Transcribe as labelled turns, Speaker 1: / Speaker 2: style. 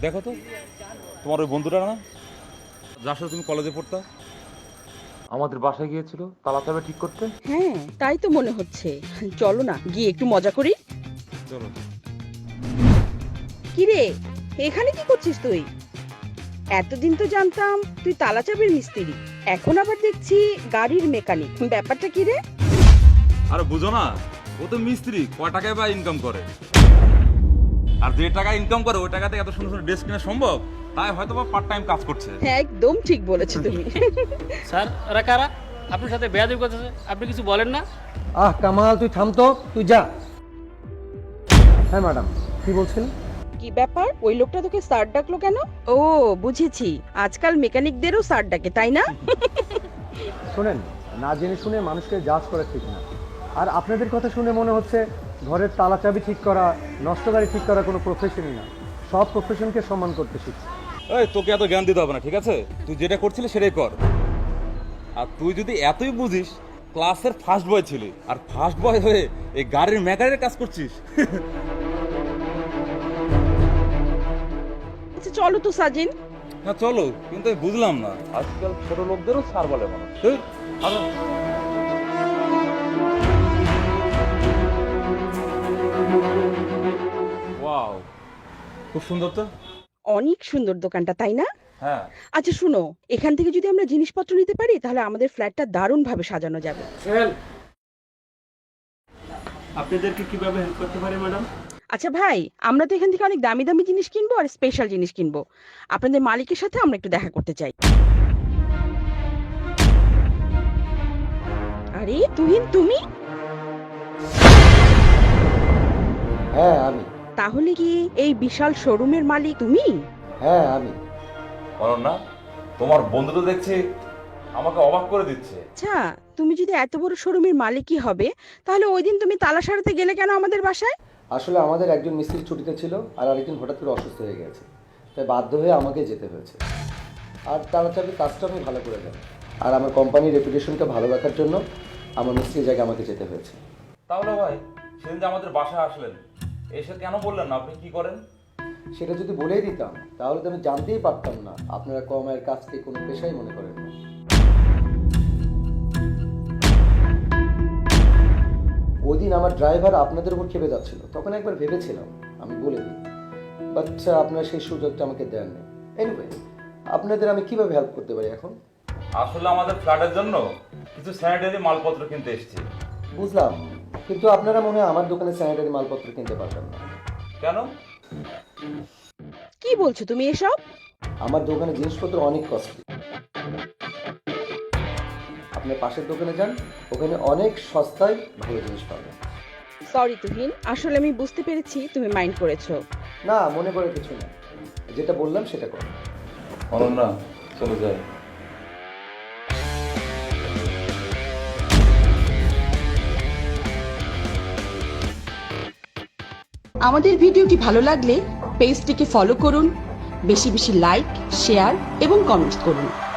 Speaker 1: দেখো তো তোমার ওই বন্ধুটা না, যার সাথে তুমি কলেজে পড়তা, আমাদের বাসায় গিয়েছিল তালা চাবি ঠিক করতে।
Speaker 2: হ্যাঁ, তাই তো মনে হচ্ছে। চলো না গিয়ে একটু মজা করি।
Speaker 1: চলো।
Speaker 2: কি রে, এখানে কি করছিস তুই? এতদিন তো জানতাম তুই তালা চাবির মিস্ত্রি, এখন আবার দেখছি গাড়ির মেকানিক। ব্যাপারটা কি রে?
Speaker 1: আরে বুঝো না, ও তো মিস্ত্রি, কয় টাকায় বা ইনকাম করে, আর যে টাকা ইনকাম করে ওই টাকাতে এত সুন্দর সুন্দর ড্রেস কেনা সম্ভব, তাই হয়তো বা পার্ট টাইম কাজ করছে।
Speaker 2: হ্যাঁ, একদম ঠিক বলেছো তুমি।
Speaker 3: স্যার ওরা কারা? আপনার সাথে বেয়াদবি করতেছে, আপনি কিছু বলেন না?
Speaker 4: কামাল, তুই থাম তো, তুই যা। হ্যাঁ ম্যাডাম, কি বলছেন?
Speaker 2: কি ব্যাপার, ওই লোকটা তোকে স্যার ডাকলো কেন? ও বুঝেছি, আজকাল মেকানিকদেরও স্যার ডাকে, তাই না?
Speaker 4: শোনেন, না জেনে শুনে মানুষকে জাজ করা ঠিক না। আর আপনাদের কথা শুনে মনে হচ্ছে ঘরের তালা চাবি ঠিক করা, নষ্ট গাড়ি ঠিক করা কোনো প্রফেশনই না। সব প্রফেশনকে সম্মান করতে শিখছি।
Speaker 1: এই তোকে এত জ্ঞান দিতে হবে না, ঠিক আছে? তুই যেটা করছিলি সেটাই কর। আর তুই যদি এতই বুঝিস, ক্লাসের ফার্স্ট বয় ছিলি, আর ফার্স্ট বয় হয়ে এই গাড়ির মেকারের কাজ করছিস।
Speaker 2: আচ্ছা চলো তো সাজিন।
Speaker 1: হ্যাঁ চলো, কিন্তু আমি বুঝলাম না আজকাল ছোট লোকদেরও স্যার বলে মানুষ। এই, আরো। ওয়াও, খুব সুন্দর তো।
Speaker 2: অনেক সুন্দর দোকানটা, তাই না?
Speaker 1: হ্যাঁ।
Speaker 2: আচ্ছা শুনো, এখান থেকে যদি আমরা জিনিসপত্র নিতে পারি তাহলে আমাদের ফ্ল্যাটটা দারুণ ভাবে সাজানো যাবে।
Speaker 3: আপনাদেরকে কিভাবে হেল্প করতে পারি ম্যাডাম?
Speaker 2: আচ্ছা ভাই, আমরা তো এখান থেকে অনেক দামি দামি জিনিস কিনবো আর স্পেশাল জিনিস কিনবো। আপনাদের মালিকের সাথে আমরা একটু দেখা করতে চাই। আরে তুহিন, তুমি?
Speaker 4: হ্যাঁ আমি।
Speaker 2: তাহলে কি এই বিশাল শোরুমের মালিক তুমি?
Speaker 4: হ্যাঁ আমি।
Speaker 1: অনন্যা, তোমার বন্ধু তো দেখছি আমাকে অবাক করে দিচ্ছে।
Speaker 2: আচ্ছা, তুমি যদি এত বড় শোরুমের মালিকই হবে, তাহলে ওই দিন তুমি তালা সারাতে গেলে কেন আমাদের বাসায়?
Speaker 4: আসলে আমাদের একজন মিস্ত্রি ছুটিতে ছিল, আর আরেকজন হঠাৎ করে অসুস্থ হয়ে গেছে, তাই বাধ্য হয়ে আমাকে যেতে হয়েছে। আর তালা চাবি কাজটা আমি ভালো করে জানি, আর আমার কোম্পানির রেপুটেশনকে ভালো রাখার জন্য আমার মিস্ত্রির জায়গায় আমাকে যেতে হয়েছে।
Speaker 1: তাহলে ভাই, সেদিন যে আমাদের বাসায় আসলেন, এসে কেন বললেন না আপনি কি করেন?
Speaker 4: সেটা যদি বলেই দিতাম তাহলে তো আমি জানতেই পারতাম না আপনারা কম আয়ের কাজকে কোনো পেশাই মনে করেন না। ওই দিন আমার ড্রাইভার আপনাদের উপর খেপে যাচ্ছিল, তখন একবার ভেবেছিলাম আমি বলে দিই, বাট আপনারা সেই সুযোগটা আমাকে দেননি। এনিওয়ে, আপনাদের আমি কিভাবে হেল্প করতে পারি এখন?
Speaker 1: আসলে আমাদের ফ্ল্যাটের জন্য কিছু স্যানিটারি মালপত্র কিনতে এসেছি।
Speaker 4: বুঝলাম, কিন্তু আপনারা মনে হয় আমার দোকানে স্যানিটারি মালপত্র কিনতে পারবেন না।
Speaker 1: কেন?
Speaker 2: কি বলছো তুমি এসব?
Speaker 4: আমার দোকানে জিনিসপত্র অনেক কস্টলি। আপনার পাশের দোকানে যান, ওখানে অনেক সস্তায় ভালো জিনিস পাবেন।
Speaker 2: সরি তুহিন, আসলে আমি বুঝতে পেরেছি তুমি মাইন্ড করেছো।
Speaker 4: না, মনে করে কিছু না, যেটা বললাম সেটা করো।
Speaker 1: অনন্যা, চলে যাই।
Speaker 2: আমাদের ভিডিওটি ভালো লাগলে পেজটিকে ফলো করুন, বেশি বেশি লাইক, শেয়ার এবং কমেন্টস করুন।